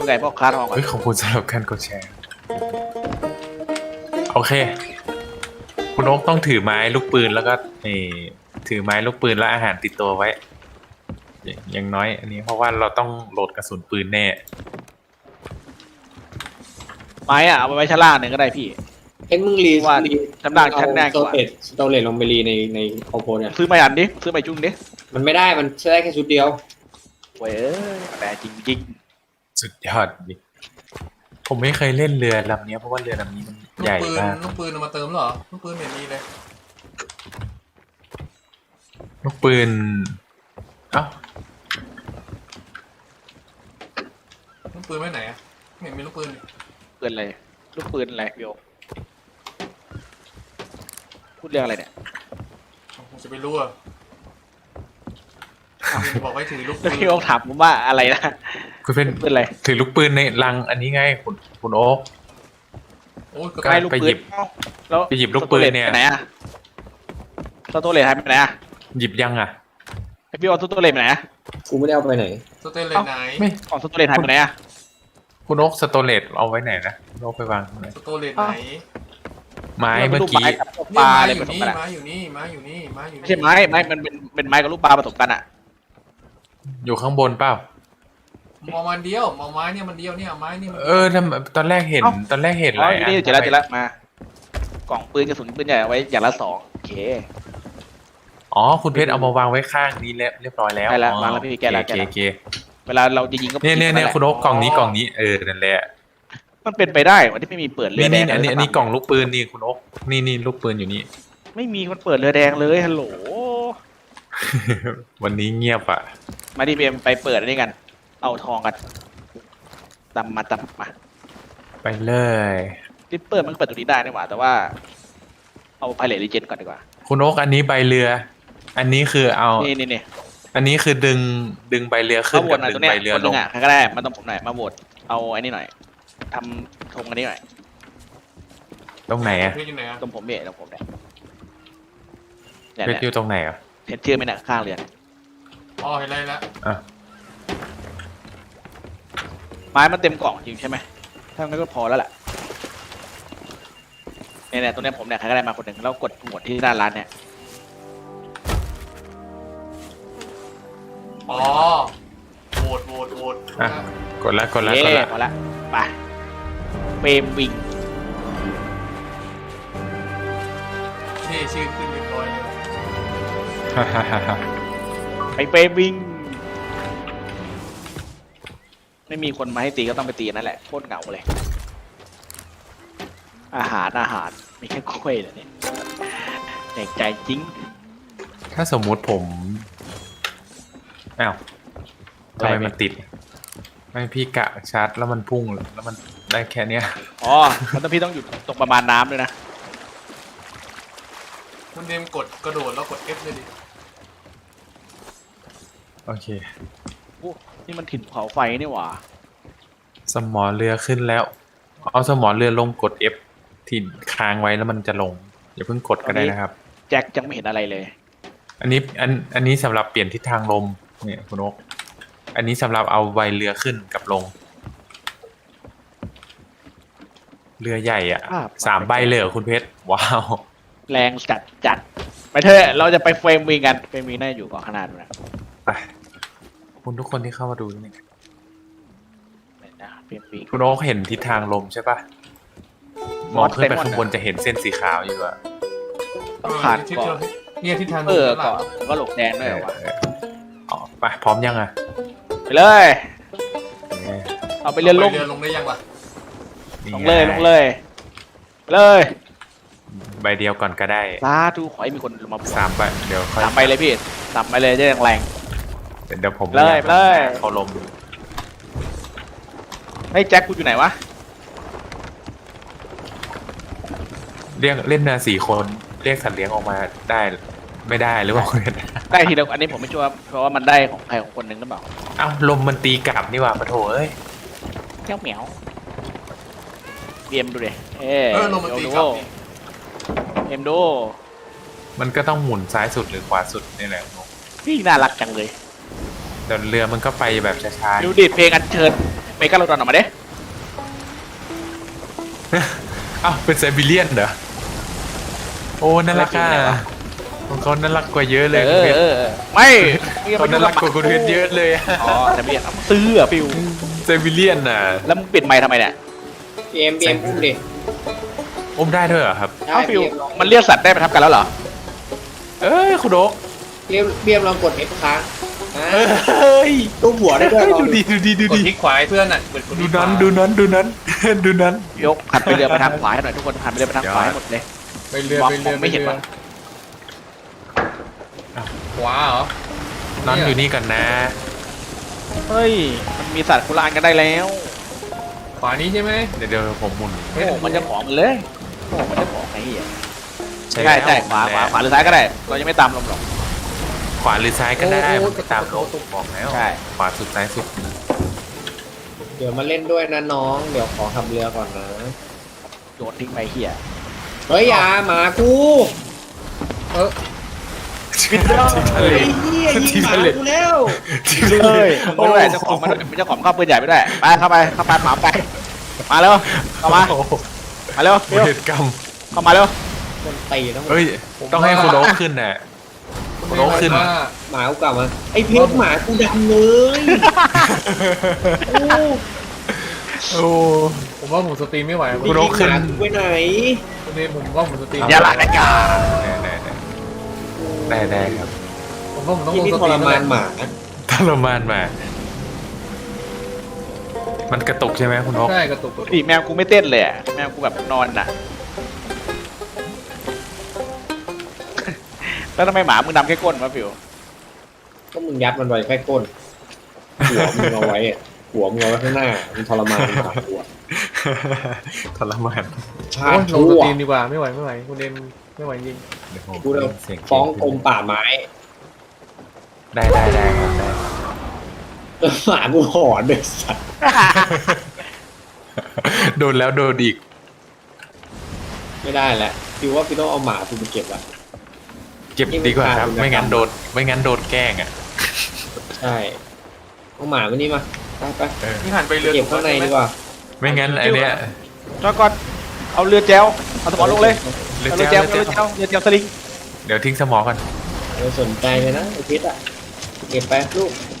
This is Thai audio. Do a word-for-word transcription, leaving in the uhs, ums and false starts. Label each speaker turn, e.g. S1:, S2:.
S1: คุณไก่บอกคาทองก่อน
S2: เฮ้ยขอบคุณสำหรับการกดแชร์โอเคคุณโอ๊กต้องถือไม้ลูกปืนแล้วก็เออถือไม้ลูกปืนและอาหารติดตัวไว้อย่างน้อยอันนี้เพราะว่าเราต้องโหลดกระสุนปืนแน่
S1: ไม้อะเอาไปไว้ชั้นล่างหนึ่งก็ได้พี่
S3: เอ็งมึงรี
S1: ว่า
S3: รี
S1: ชั้นล่างชั้นแรก
S3: สโตเลตสโตเลตลงไปรีในในคอมโพเนี่ย
S1: ซื้อมาอันดิซื้อมาจุ้งดิ
S3: มันไม่ได้มันใช้ได้แค่ชุดเดียว
S1: เว้ยแต่จริงจริง
S2: สุดยอดดิผมไม่เคยเล่นเรือลำนี้เพราะว่าเรือลำนี้มัน
S4: ลู
S2: ให
S4: ก
S2: ญ่
S4: ปืน
S2: มาก
S4: ลูกปืนเอามาเติมเหรอลูกปืนไม่มีเลย
S2: ลูกปืนเอ้า
S4: ลูกปืนไว้ไหนอะไม่เห็นมีลูกปืนเลย
S1: ปืนอะไรลูกปืนอะไรพี่โอพูดเรื่องอะไรเนี่ย
S4: ผมจะไปรู้อะบอกไว้ถือลูกปื
S1: แล้ว
S4: น
S1: พี่โอถามผมว่าอะไรนะ
S2: คุณเป็น
S1: ปืนอะไร
S2: ถือลูกปืนในลังอันนี้ไงคุณคุณโอ๊ก
S4: โอ้ยก็
S2: ก็
S1: ไม่ลูก
S2: ไป
S1: ปื
S2: หยิ
S1: น
S2: บ
S1: เอ้าแล้ว
S2: ไปหยิบลูกปืนเนี่ย
S1: สโตรจไปไหนอะสโตรเลตหายไปไหนอะ
S2: หยิบยังอ่ะ
S1: ไอพี่โอสโตรเลตไปไหนอะ
S3: กูไม่ได้เอาไปไหน
S4: สเตนเลยไหน
S2: ไม่
S1: ของสโตรเลตหายไปไหนอะ
S2: คุณโอ๊กสโตเลตเอาไว้ไหนนะคุณโอ๊กไปวางไหน
S4: สโตเลตไหน
S2: ไม้เมื่อกี้
S1: ไม้กับป
S4: นี่
S1: ลา
S4: ไม้
S1: อะไร
S4: อ
S1: ผ
S4: ยู่
S1: สม
S4: นี่
S1: กันอะ
S4: ไม้อยู่นี่ไม้อยู่นี่ไม้อยู่
S1: ไม่
S4: นี่
S1: ใช่ไม้ไม้มันเป็นเป็นไม้กับลูกปลาผสมกันอะ
S2: อยู่ข้างบนเปล่า
S4: มองมันเดียวมองไม้เนี่ยมันเดียวเนี่ยไม้นี่มัน
S2: เออทำตอนแรกเห็นตอนแรกเห็น
S1: อ๋
S2: ห
S1: อ
S2: ลาย
S1: อยู่
S2: อัน
S1: นี่เจอแล้วเจอแล้วมากล่องปืนกระสุนปืนใหญ่เอาไว้อย่างละสองโอเค
S2: อ๋อคุณเพชรเอามาวางไว้ข้างนี้แล้วเรียบร้อยแล้ว
S1: ได้แล้ว
S2: อ๋อ
S1: วางแล้วพี่แกะแล้ว
S2: โอ
S1: แกะ
S2: เค
S1: แล้ว
S2: โอเค
S1: เวลาเราจะยิงก็
S2: เนี่ยเนี่ยเนี่ย
S1: หละ
S2: คุณโอ๊กกล่องนี้กล่องนี้เออนั่นแหละ
S1: มันเป็นไปได้วันที่ไม่มีเปิดเรือ
S2: นี่
S1: แด
S2: นี่
S1: ง
S2: อันนี้
S1: เลย
S2: อันนี้กล่องลูกปืนนี่คุณโอ๊กนี่นี่ลูกปืนอยู่นี่
S1: ไม่มีมันเปิดเรือแดงเลยฮัลโหล
S2: วันนี้เงียบอ่ะ
S1: มาดีเบมไปเปิดอันนี้กัน เอาทองกันตำมาตำมา
S2: ไปเลย
S1: ที่เปิดมันก็เปิดตรงนี้ได้นี่หว่าแต่ว่า เอาไพเรตรีเจนก่อนดีกว่า
S2: คุณโอ๊กอันนี้ใบเรือ อันนี้คือเอา
S1: นี่นี่นี่
S2: อันนี้คือดึงดึงใบเรือขึ้
S1: มาน โหว
S2: กั
S1: ต
S2: บ
S1: หน่อย
S2: ดึ
S1: ตรง
S2: ง
S1: เนี้ย
S2: ใบเรือ
S1: คนห
S2: ล
S1: นึ
S2: ง
S1: งอ่ะใครก็ได้มาต้องผมหน่อยมาโหวตเอาไอ้นี่หน่อยทำธงอันนี้หน่อย
S2: ตรงไหนอ่ะ
S4: เพชรอยู่ไหนอะ
S1: ตรงผมเนี่ยตรงผมเนี่ยเนี่ย
S2: เพชรอ
S1: เนี่ย
S2: ยู่ตรงไหนอ่ะ
S1: เห็นชื่อไหมเนี่ยข้างเรือ
S4: อ๋อเห็นอะไรแล้ว
S2: อ่ะ
S1: ไม้มันเต็มกล่องจริงใช่ไหมถ้างั้นก็พอแล้วแหละเนี่ยเนี่ยตรงเนี้ยผมเนี่ยใครก็ได้มาคนหนึ่งแล้วกดหมวดที่หน้าร้านเนี่ย
S4: อ๋อโหวตโหวตโหวต
S2: อ่ะกดละกดละ
S1: เย้
S2: กดละ
S1: พอละไปเฟรมวิง
S4: ที่ชื่อขึ้นเรียบร้อยเลย
S2: ฮ่าฮ่าฮ่าฮ่า
S1: ไปเฟรมวิงไม่มีคนมาให้ตีก็ต้องไปตีนั่นแหละโคตรเหงาเลย อาหารอาหารมีแค่กล้วยเหรอเนี่ยแปลกใจจริง
S2: ถ้าสมมุติผมอ้าวทำไมมันติด ไม่พี่กะชาร์จแล้วมันพุ่งแล้วมันได้แค่เนี้ย
S1: อ๋อมันต้องพี่ต้องอยู่ตรงประมาณน้ำด้วยนะ
S4: คุณเดมกดกระโดดแล้วกด F เลยดิ
S2: โอเค
S1: โอ้นี่มันถิ่นภูเขาไฟนี่หว่า
S2: สมอเรือขึ้นแล้ว เอาสมอเรือลงกด F ที่ค้างไว้แล้วมันจะลงอย่าเพิ่งกดก็ได้นะครับ
S1: แจ็คยังไม่เห็นอะไรเลย
S2: อันนี้อันอันนี้สำหรับเปลี่ยนทิศทางลมเนี่ยคุณนกอันนี้สำหรับเอาใบเรือขึ้นกับลง เรือใหญ่อ่ะ
S1: อ่า
S2: สามใบเลยเหรอคุณเพชรว้าว
S1: แรงจัดจัดไปเถอะเราจะไปเฟรมวิงกันเฟรมวิงน่าจะอยู่เกาะขนาดนะ
S2: ไปขอบคุณทุกคนที่เข้ามาดูนี่
S1: ไหนนะเฟรมวิง
S2: คุณโอ๊คเห็นทิศทางลมใช่ปะมองขึ้นไปข้างบนจะเห็นเส้นสีขาวอยู่อะ
S1: ต้องผ่าน
S4: ที่
S1: เกาะ
S4: เนี่ยที่ทาง
S1: เออ
S4: ด้านหลั
S1: เกาะ
S4: ง
S1: ก็หลกแดงด้วยเหรอวะ
S2: เอออ๋อไปพร้อมยังอะ
S1: ไปเลย
S2: เนี่ย
S1: เอาไปเรือลง
S4: เรือลงได้ยังวะ
S2: นี่
S1: ลงเลย
S2: ไ
S1: ลงเลยไปเลย
S2: ใบเดียวก่อนก็ได้
S1: สาธุขอให้มีคนมา
S2: สามใบเดี๋ยวค่อย
S1: สามไปเลยพี่สามไปเลยจะแรง
S2: เดี๋ยวผม
S1: เลย
S2: อา
S1: เลย
S2: เขาลม
S1: ๆเฮ้ยแจ็คกูอยู่ไหนวะ
S2: เรียกเล่นนาสี่คนเรียกสัตว์เลี้ยงออกมาได้ไม่ได้หรือเปล่า
S1: ได้ทีเดียวอันนี้ผมไม่ชัวร์เพราะว่ามันได้ของใครของคนหนึ่งหรือเปล่า
S2: เอ้าลมมันตีกลับนี่หว่าปะโถเอ้ย
S1: เจ้าเหมียวเอ็มดูดิเอ้
S4: เออลงมาตีกลับนี่
S1: เอ็มดู
S2: มันก็ต้องหมุนซ้ายสุดหรือขวาสุดนี่แหละนก
S1: พี่น่ารักจังเลย
S2: แต่เรือมันก็ไปแบบช้า
S1: ดูดิเพลงอัญเชิญมกาโลดอนออกมาเด้
S2: อ้าวเป็นไซบีเรียนเหรอโอ้น่ารักอ่ะของเขาน่ารักกว่าเยอะเลย
S1: เออเออไม่
S2: เขาน่ารักกว่าคนอื่นเยอะเลยอะ
S1: อ๋อแต่เบียนซื้ออะฟิว
S2: ไซบีเรียนน่ะ
S1: แล้วมึงปิดไมค์ทำไมเนี่ย
S3: พีเอ็มพีเอ็มอุ้มดิ
S2: อมได้ด้วยเหรอครับ
S3: ได้
S1: เอ้าฟิว
S3: พีเอ็มลอง
S1: มันเรียกสัตว์ได้ประทับกันแล้วเหรอ
S2: เอ้ยคุณโอ๊ค
S3: พีเอ็มพีเอ็มลองกด F ค้างอ่า
S2: เฮ้ย
S3: รูปหัวได้ด้วยลอง
S2: ดูดีดูดีดู
S4: กด
S2: ดี
S4: คลิกขวาให้เพื่อนอ่ะกดคลิก
S2: ดู
S4: ขวา
S2: นั้นดูนั้นดูนั้น ดูนั้น
S1: ยกหันไปเรือไปทางขวาให้หน่อยทุกคนหันไปเรือไปทางขวาให้หมดเลย
S4: ไปเรือ
S1: มอง
S4: ไปเรือ
S1: มองไม่เห็น
S4: ป
S1: วะ
S4: ขวาเหรอ
S2: นั้นอยู่นี่กันนะ
S1: เฮ้ยมันมีสัตว์คนละอันกันได้แล้ว
S4: ขวานี้ใช่ไหม
S2: เดี๋ยวเดี๋ยวผมหมุน
S1: โอ้โหมันจะของมันเลยโอ้โหมันจะของไอ้เหี้ย
S2: ใช่
S1: ใช่ใช่
S2: แล้ว
S1: ขวาขวาขวาหรือซ้ายก็ได้ เรายังไม่ตามลมหรอก
S2: ขวาหรือซ้ายก็ได้มันไปตามโลกบอกแล้ว
S1: ใช่
S2: ขวาสุดซ้ายสุด
S3: เดี๋ยวมาเล่นด้วยนะน้อง เดี๋ยวขอขับเรือก่อนนะ
S1: โยนทิ้งไปเหี้ย
S3: เฮ้ยอย่าหมากู
S4: เออ
S2: ทิ้งทะเล
S3: ไอ้เหี้ยยิง
S2: ทิ้ง
S3: หมา
S2: ทะเล
S3: กูแล้ว
S2: ทิ้งทะเล
S1: เฮ้ยไม่ได้เจ้าของมันเป็นเจ้าของเข้าปืนใหญ่ไม่ได้ไปเข้าไปเข้าไปหมาไปมาเร็วเข้ามา
S2: โอ้โห
S1: มาเร็วเร็ว
S2: เหตุกรรม
S1: เข้ามาเร็ว
S3: มันตีต้อง
S2: เฮ้ยต้องให้คุณโอ๊คขึ้นน่ะ
S4: คุณ
S2: โน้ตขึ้น
S4: ว่า
S3: หมากูกลับมาไอ้เพชรหมากูดำเลย โอ้
S2: โอ้
S4: ผมว่าผมสตรีมไม่ไหว
S2: คุ ณโอ๊คขึ้น
S3: หมากูไปไหน
S4: คุณเนมผมว่าผมสตรีม
S1: อย่าหลักนะจ๊ะ
S2: ได้ได้ได้ได้ครับ
S4: ผมว่าผมต้อง
S3: ที่
S4: ลง
S3: นี่
S4: ส
S3: ท
S4: ตรี
S3: ร
S4: ม
S3: มานหมา
S2: ทรมานมา มันกระตุกใช่ไหมคุณโอ๊ค
S4: ใช่กระตุกกระตุก
S1: อีแมวกูไม่เต้นเลยอะแมวกูแบบนอนน่ะ แล้วทำไมหมามึงดำแค่ก้นวะฟิว
S3: ก็มึงยัดมันไว้แค่ก้น หัวมึงเอาไว้อะหัวมึงเอาไว้ข้างหน้ามันทรมานหมาหัว
S2: ทรมาน
S3: ชา
S4: โอ้ยลง
S3: ชั่
S4: ส
S3: ว
S4: ตรีมดีกว่าไม่ไหวไม่ไหวคุณเนมไม่ไหวจริง
S2: เดี๋ยวผม
S3: กูจะ
S2: เสียง
S3: ฟ้องกรมป่าไม้
S2: ได้ได้ได้ครับได้
S3: หมากูหอนเลยสัตว์
S2: โดนแล้วโดนอีก
S3: ไม่ได้แหละพี่ว่าพี่ต้องเอาหมากูไปเก็บอะ
S2: เก็บดีกว่าครับ ไม่งั้นโดนไม่งั้นโดนแกล้งอ่ะ
S3: ใช่เอาหมามานี่มาไปไป
S2: เออ
S4: นี่หันไปเรือ
S3: เก็บข้างในดีกว่า
S2: ไม่งั้นไอเนี้ย
S1: จอดก่อนเอาเรือแจวเอาสมอลงเลย
S2: เรือ
S1: เอาเรือ
S2: แจ้
S1: แจ
S2: ว
S1: ว
S2: เรือ
S1: เอาเรือ
S2: แจ้ว
S1: แจวเรือแจวสลิง
S2: เดี๋ยวทิ้งสมอกัน
S3: ไม่สนใจเลยนะไอพิษอะเก็บไปลูก